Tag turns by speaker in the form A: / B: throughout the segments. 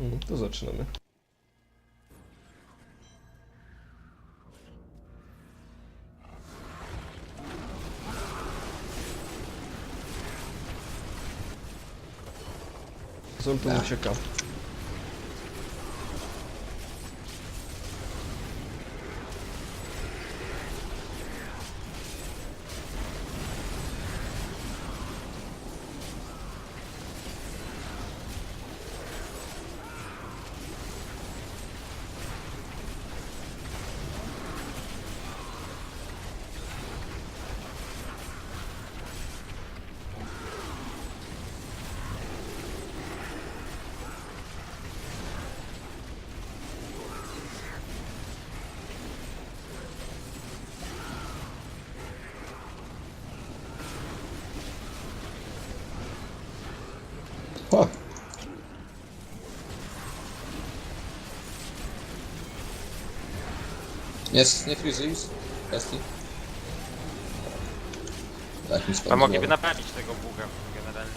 A: To zaczynamy. Zoltan ucieka.
B: O! Nie frizuj kwestii. Tak mi
C: A
B: spadło.
C: mogliby naprawić tego buga generalnie.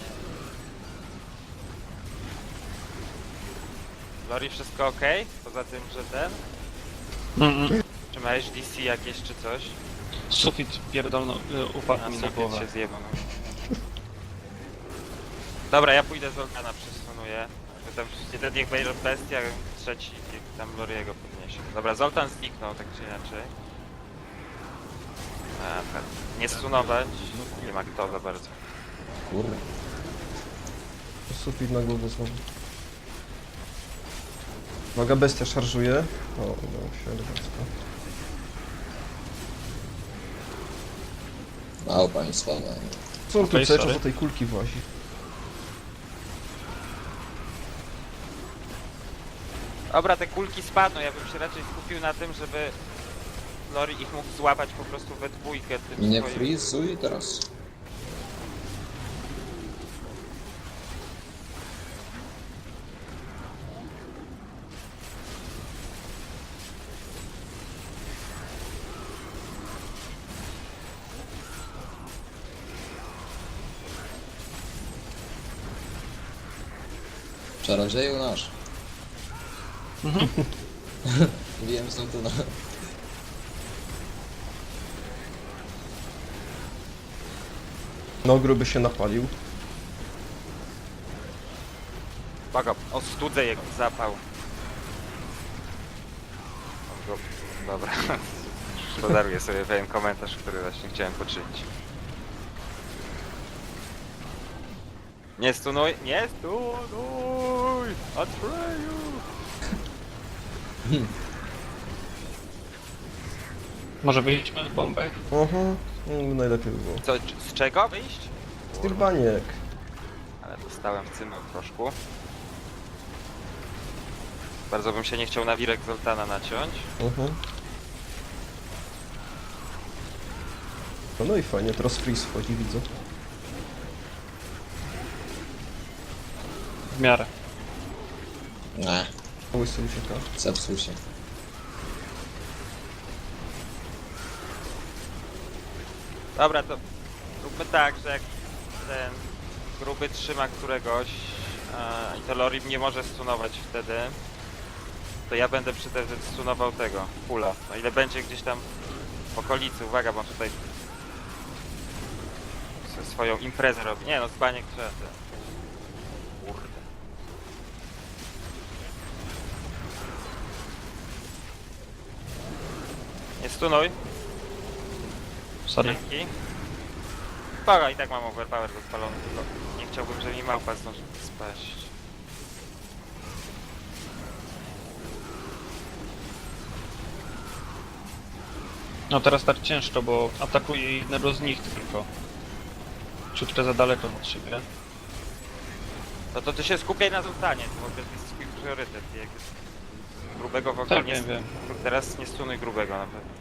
C: Lori, wszystko ok? Poza tym, że ten? Czy miałeś DC jakieś czy coś?
D: Sufit pierdolno, upadł mi na
C: sufit
D: głowę.
C: się zjebał. No. Dobra, ja pójdę z Organa, przesunuję. Tam jeden niech będzie bestia, trzeci niech tam Loriego podniesie. Dobra, Zoltan zniknął, tak czy inaczej. Tak. Nie stunować, nie ma kto za bardzo.
B: Kurde.
A: Sufit na głowę znowu. Uwaga, bestia szarżuje. O, udało się elegancko.
B: Mało państwa, no.
A: Co on tu
D: Okej,
A: cały czas
D: sorry.
A: do tej kulki włazi?
C: Dobra, te kulki spadną, ja bym się raczej skupił na tym, żeby Lori ich mógł złapać po prostu we dwójkę tym
B: Nie
C: swoim...
B: frizuj teraz. Czarodzieju nasz. Wiem, są tu na...
A: No, gruby się napalił.
C: Uwaga, ostudzę jego zapał. On go... Dobra. Podaruję sobie pewien komentarz, który właśnie chciałem poczynić. Nie stunuj! Nie stunuj! Atreju!
D: Może wyjdźmy z bombę?
A: Najlepiej by było.
C: Co, z czego wyjść?
A: Z tych baniek.
C: Ale dostałem w cymy troszkę. Bardzo bym się nie chciał na wirek Zoltana naciąć.
A: No i fajnie, teraz freeze wchodzi, widzę.
D: W miarę.
B: Nie,
A: Łysy ucieka.
B: zepsuł się.
C: Dobra, to róbmy tak, że jak ten gruby trzyma któregoś i to Lori nie może stunować wtedy, to ja będę przy tym stunował tego, pula. No ile będzie gdzieś tam w okolicy, uwaga, bo on tutaj swoją imprezę robi. Nie no, z baniek trzeba te... Kurde. Nie stunuj.
D: Sorry.
C: Dzięki. Spoko, i tak mam overpower rozpalony, tylko nie chciałbym, żeby mi małpa zdążył spaść.
D: No teraz tak ciężko, bo atakuje jednego z nich tylko. Ciutkę za daleko od siebie.
C: No to ty się skupiaj na Zoltanie, to w ogóle jest swój priorytet. Jak jest grubego w ogóle
D: Tak,
C: nie...
D: wiem.
C: Teraz nie stunuj grubego na pewno.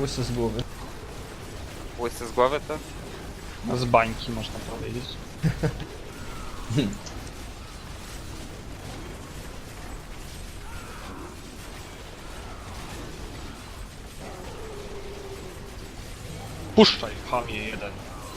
A: Łysy z głowy.
C: Łysy z głowy to?
D: Z bańki można powiedzieć. Puszczaj, chamie jeden.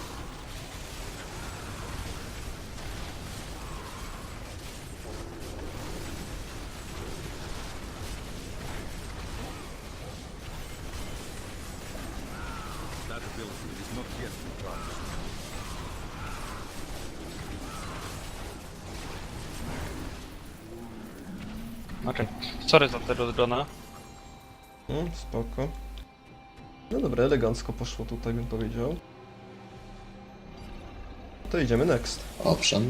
D: Okej. Sorry za tego drona.
A: Spoko. No dobra, elegancko poszło tutaj, bym powiedział. To idziemy next.
B: Owszem.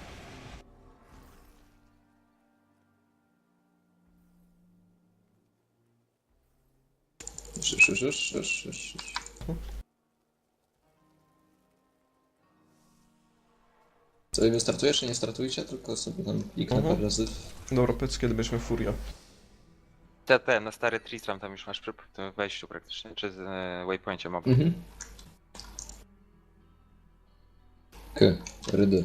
B: Już. Co, wy startujesz, czy nie startujcie? Tylko sobie tam kliknę parę razy.
A: Dobra, powiedz kiedy bierzemy Furia.
C: Te, na stary Tristram tam już masz przy tym wejściu praktycznie, czy z waypoincie mob.
B: Rydy.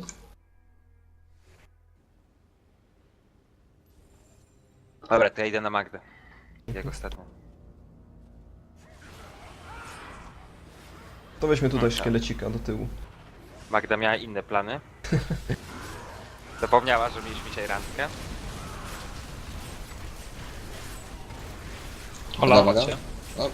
C: Dobra, to ja idę na Magdę. Jak ostatnio.
A: To weźmy tutaj
C: Tak.
A: szkielecika do tyłu.
C: Magda miała inne plany. Zapomniała, że mieliśmy dzisiaj randkę.
D: Olała
B: Uwaga.
D: cię.
B: O,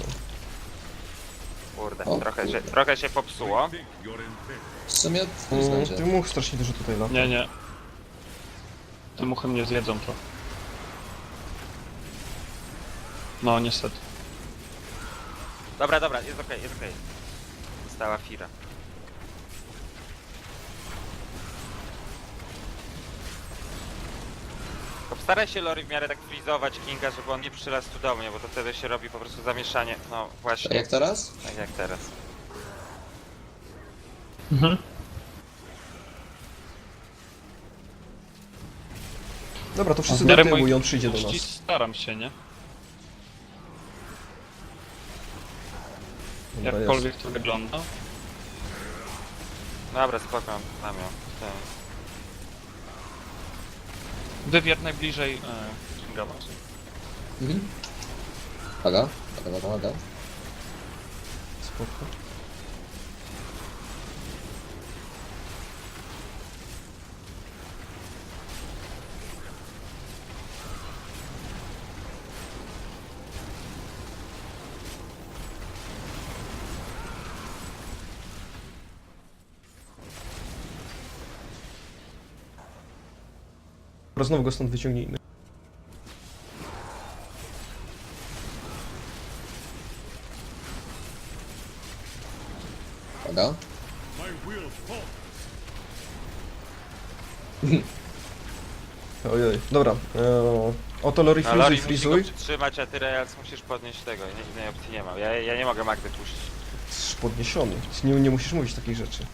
C: Kurde,
B: O,
C: trochę się popsuło.
B: w sumie to nie znajdzie.
A: Ty much strasznie dużo tutaj lata.
D: Nie. Te muchy mnie zjedzą to. No niestety.
C: Dobra, jest okej. Została Fira. Postaraj się Lori w miarę tak frizować Kinga, żeby on nie przylas tu do mnie, bo to wtedy się robi po prostu zamieszanie. No
B: Tak
C: właśnie,
B: jak teraz?
C: tak jak teraz.
A: Dobra, to wszyscy
D: W
A: do
D: miarę
A: tyłu
D: moich
A: i on przyjdzie do
D: możliwości
A: nas.
D: staram się, nie?
A: Dobra, jest.
D: Jakkolwiek to wygląda.
C: Dobra, spoko, mam ją. Tak.
D: Wywiad najbliżej Kinga właśnie.
B: Uwaga.
A: Spoko. Dobra, znowu go stąd wyciągnijmy.
B: Uwaga.
A: Ojej, dobra. Oto Lori
C: No Lori
A: frizuj,
C: musi go
A: frizuj.
C: przytrzymać, a ty Reals musisz podnieść tego, innej opcji nie ma. Ja nie mogę Magdy puścić.
A: Jesteś podniesiony. Nie musisz mówić takich rzeczy.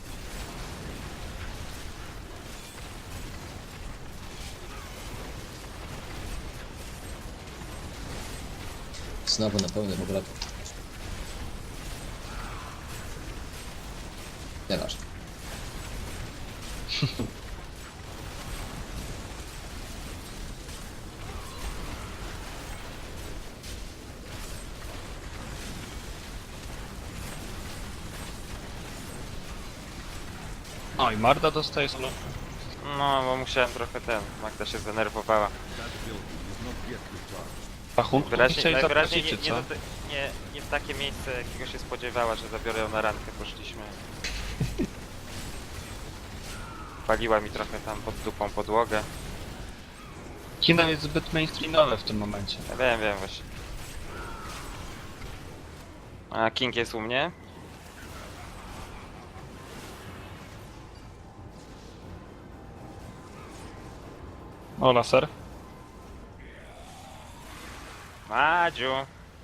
B: Znowu na pełnym obrotu. Nieważne.
D: O i Marda dostaje solo.
C: No, bo musiałem trochę Magda się zdenerwowała.
D: Rachunku chcieli
C: Najwyraźniej
D: zapłacić, czy co?
C: nie w takie miejsce, jakiego się spodziewała, że zabiorę ją na randkę, poszliśmy. Paliła mi trochę tam pod dupą podłogę.
D: Kino jest zbyt mainstreamowe w tym momencie.
C: Ja wiem właśnie. A King jest u mnie?
D: O, laser.
C: Madziu!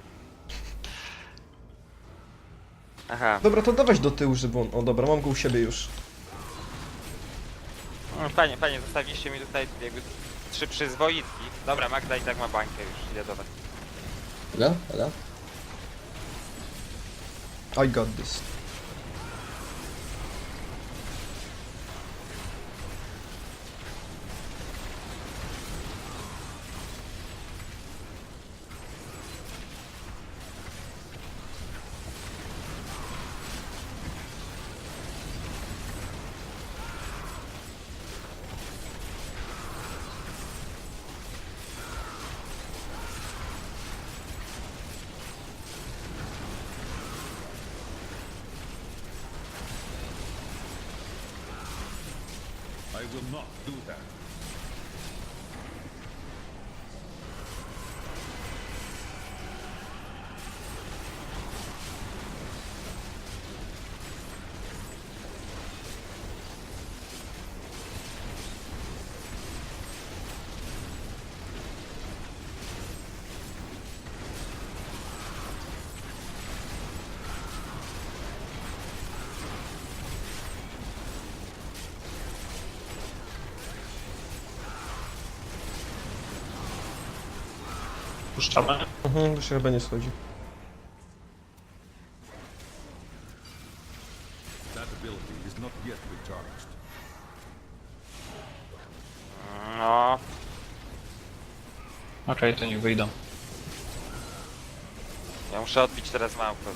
C: Aha,
A: Dobra, to dawać do tyłu, żeby on... O dobra, mam go u siebie już.
C: fajnie, zostawiliście mi tutaj jakby 3 przyzwoitki. Dobra, Magda i tak ma bańkę już, idę do was.
B: Uwaga.
A: I got this.
E: I will not do that.
D: Puszczamy.
A: To się chyba nie schodzi.
E: That ability is not yet recharged.
C: No,
D: Okej, to niech wyjdą.
C: ja muszę odbić teraz małpę.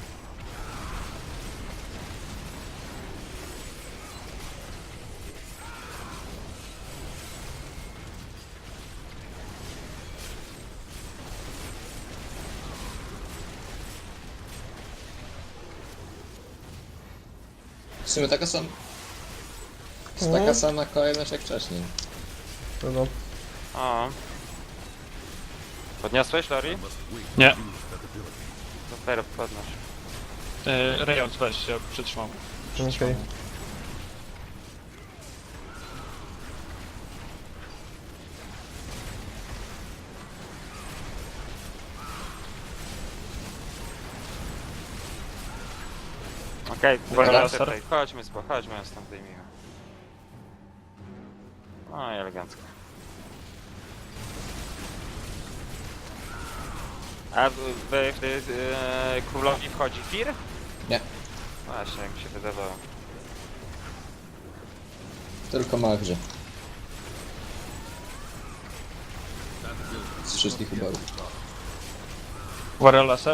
B: W sumie taka sama... Taka sama kolejność jak wcześniej.
A: No.
C: O. Podniosłeś, Lori?
E: Must wait
D: Nie.
E: to use that ability.
C: Super, podnoś.
D: Rejox weź się, przytrzymał.
A: Okej.
C: Okej,
D: Laser.
C: tutaj. Chodźmy stąd zdejmijmy. No i elegancko. A królowi wchodzi Fir?
B: Nie.
C: Właśnie, jak mi się wydawało.
B: Tylko Magrzy.
E: That ability
B: Z wszystkich uborów.
D: Warrior laser.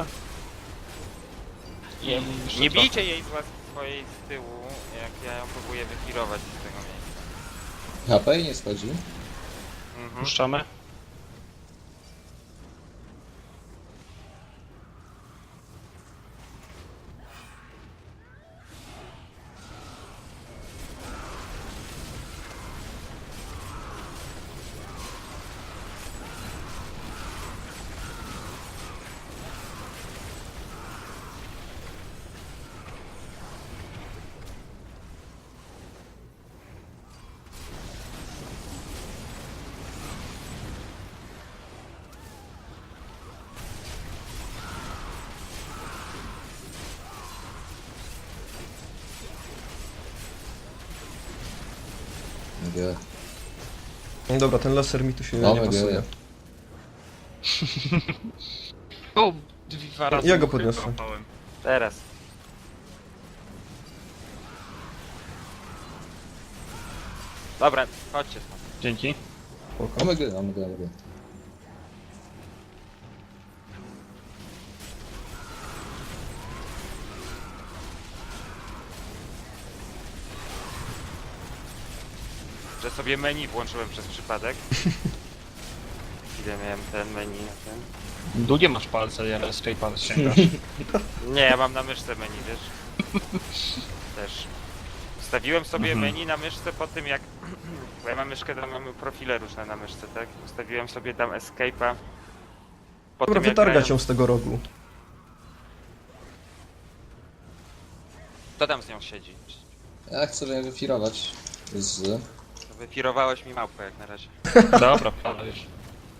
C: I
D: jeszcze
C: nie
D: trochę.
C: bijcie jej swojej z tyłu, jak ja ją próbuję wyfirować z tego miejsca.
B: HP nie schodzi.
C: Mhm.
D: Puszczamy.
B: Mówię,
A: No dobra, ten laser mi tu się
B: No,
A: nie pasuje.
D: O, dwa razy.
A: Ja go
D: mu
A: podniosę.
D: wyłapałem.
C: Teraz. Dobra, chodźcie stąd.
D: Dzięki.
A: Spoko.
B: omega.
C: Że sobie menu włączyłem przez przypadek. Ile miałem ten menu na ten?
D: Długie masz palce, ja escape'a sięgasz.
C: Nie, ja mam na myszce menu, wiesz? Też. Ustawiłem sobie menu na myszce po tym jak... Bo ja mam myszkę, tam mamy profile różne na myszce, tak? Ustawiłem sobie tam escape'a po
A: Dobra,
C: tym jak
A: wytargać
C: grałem...
A: ją z tego rogu.
C: Kto tam z nią siedzi?
B: Ja chcę ją wyfirować z...
C: Wyfirowałeś mi małpę jak na razie.
D: Dobra, ale już.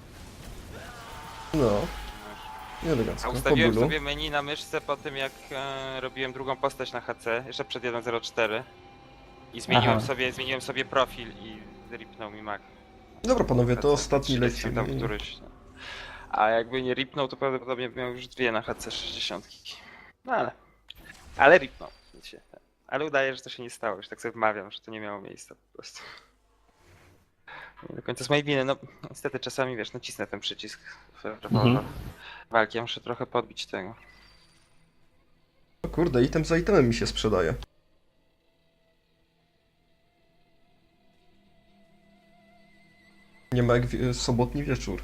A: No.
C: A
A: Elegancko. Po
C: ustawiłem
A: bólu.
C: sobie menu na myszce po tym jak robiłem drugą postać na HC, jeszcze przed 1.04 i zmieniłem sobie profil i ripnął mi Mac.
A: Dobra panowie, to
C: HC.
A: ostatni
C: 30
A: lecimy.
C: tam któryś. A jakby nie ripnął, to prawdopodobnie miał już dwie na HC 60. No ale Ale ripnął. Wiecie. Ale udaje, że to się nie stało. Już tak sobie wmawiam, że to nie miało miejsca po prostu. Nie do końca z mojej winy. No niestety czasami, wiesz, nacisnę ten przycisk w walki. Ja muszę trochę podbić tego.
A: O kurde, item za itemem mi się sprzedaje. Nie ma jak sobotni wieczór.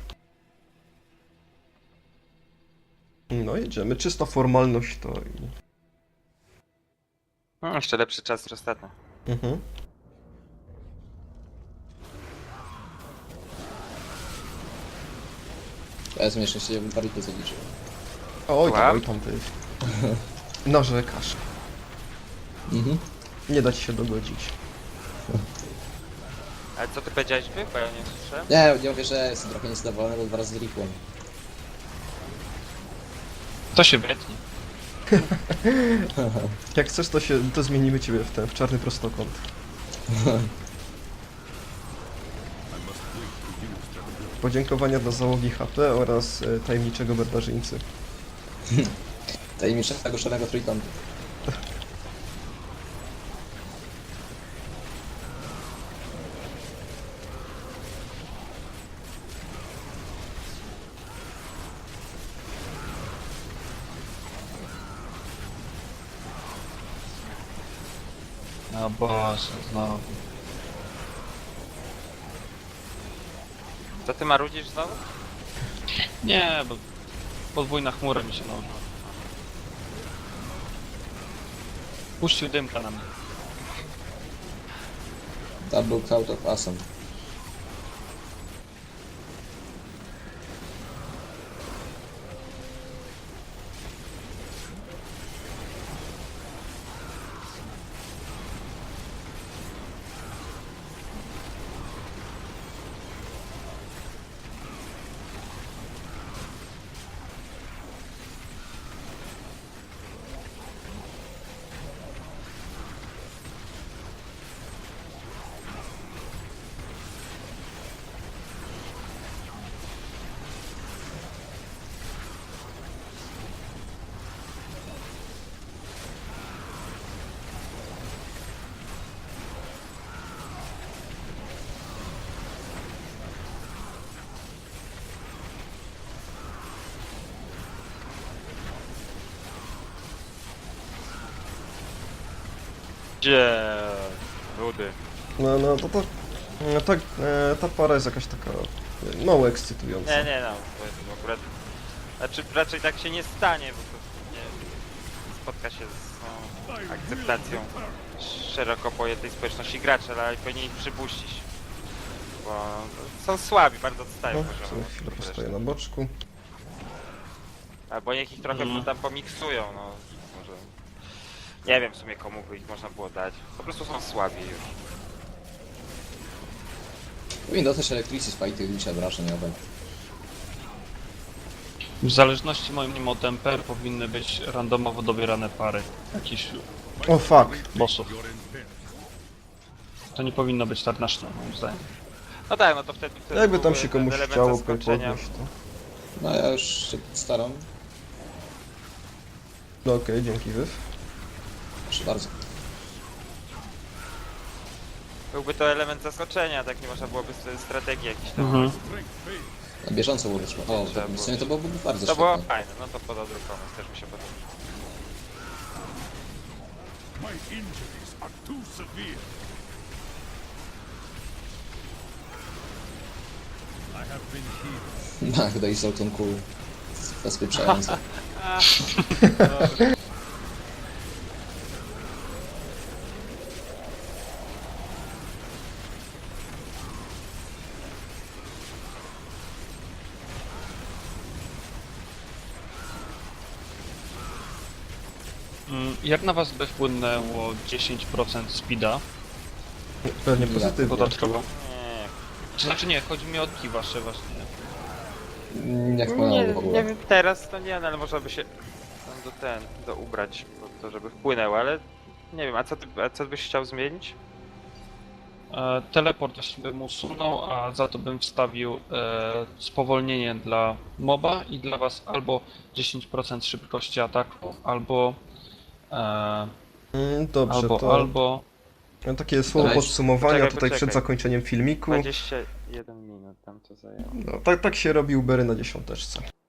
A: No jedziemy, czysta formalność to i...
C: No, jeszcze lepszy czas niż ostatnio.
A: Mhm.
B: Ja jestem jeszcze się bardziej zaliczył.
A: Oj
C: Słucham?
A: tam ty. Narzekasz.
B: Mhm.
A: Nie da ci się dogodzić.
C: Ale co ty powiedziałeś wy? Bo ja nie słyszę.
B: Nie mówię, że jestem trochę niezadowolony, bo 2 razy ripłem.
D: To się wytnie.
A: Jak chcesz, to zmienimy ciebie w czarny prostokąt. Podziękowania dla załogi HP oraz tajemniczego barbarzyńcy.
B: Tajemniczego szarego trójkątu.
D: No Boże, znowu.
C: Co ty marudzisz znowu?
D: Nie, bo podwójna chmura mi się nałożyła. Puścił dymka na mnie.
B: Double Cloud of Awesome.
C: Gdzie? Rudy.
A: No ta para jest jakaś taka mało ekscytująca.
C: Nie, no, to akurat... Znaczy raczej tak się nie stanie, bo to nie spotka się z akceptacją szeroko pojętej społeczności graczy, ale powinien ich przypuścić. Bo są słabi, bardzo odstają
A: No,
C: poziomowo.
A: sobie chwilę postoję na boczku.
C: Albo niech ich trochę tam pomiksują, no. Może... Nie wiem w sumie komu by ich można było dać. Po prostu są słabi już.
B: Powinien dostać Electricity Spike tych liczb wrażeniowe.
D: W zależności moim zdaniem od MP powinny być randomowo dobierane pary jakichś
A: O fuck.
D: bossów.
E: Your intent.
D: To nie powinno być tak nasz moim zdaniem.
C: No tak, no to wtedy
A: Jakby tam
C: byłby
A: się
C: ten
A: komuś
C: element
A: chciało
C: zaskoczenia.
A: podnieść, to...
B: No ja już się staram.
A: No okej, dzięki Wyw.
B: Proszę bardzo.
C: Byłby to element zaskoczenia, tak nie można byłoby strategii jakiejś tam.
D: Mhm.
B: Na bieżąco było wyszło. O,
C: Trzeba
B: to, w
C: było.
B: sumie to byłoby bardzo
C: To było
B: świetne.
C: fajne, no to podał drugi pomysł, też mi się podoba.
E: My injuries are too severe. I have been healed.
B: Magda i Zoltan Cool. Zaspieprzające.
D: Jak na was by wpłynęło 10% speeda
A: Pewnie
B: Ja.
A: pozytywnie.
D: dodatkowo?
C: Nie,
D: To znaczy nie, chodzi mi o odki wasze właśnie.
B: Jak
C: nie,
B: płynęło w ogóle.
C: nie wiem, teraz to nie, no, ale można by się tam do ubrać, po to żeby wpłynęło, ale nie wiem, a co byś chciał zmienić?
D: Teleport właśnie bym usunął, a za to bym wstawił spowolnienie dla moba i dla was albo 10% szybkości ataku, albo
A: Dobrze,
D: Albo,
A: to
D: albo...
A: takie słowo
B: Dawaj.
A: podsumowania tutaj
C: Poczekaj.
A: przed zakończeniem filmiku.
C: 21 minut tam to zajęło.
A: No, tak się robi Ubery na dziesiąteczce.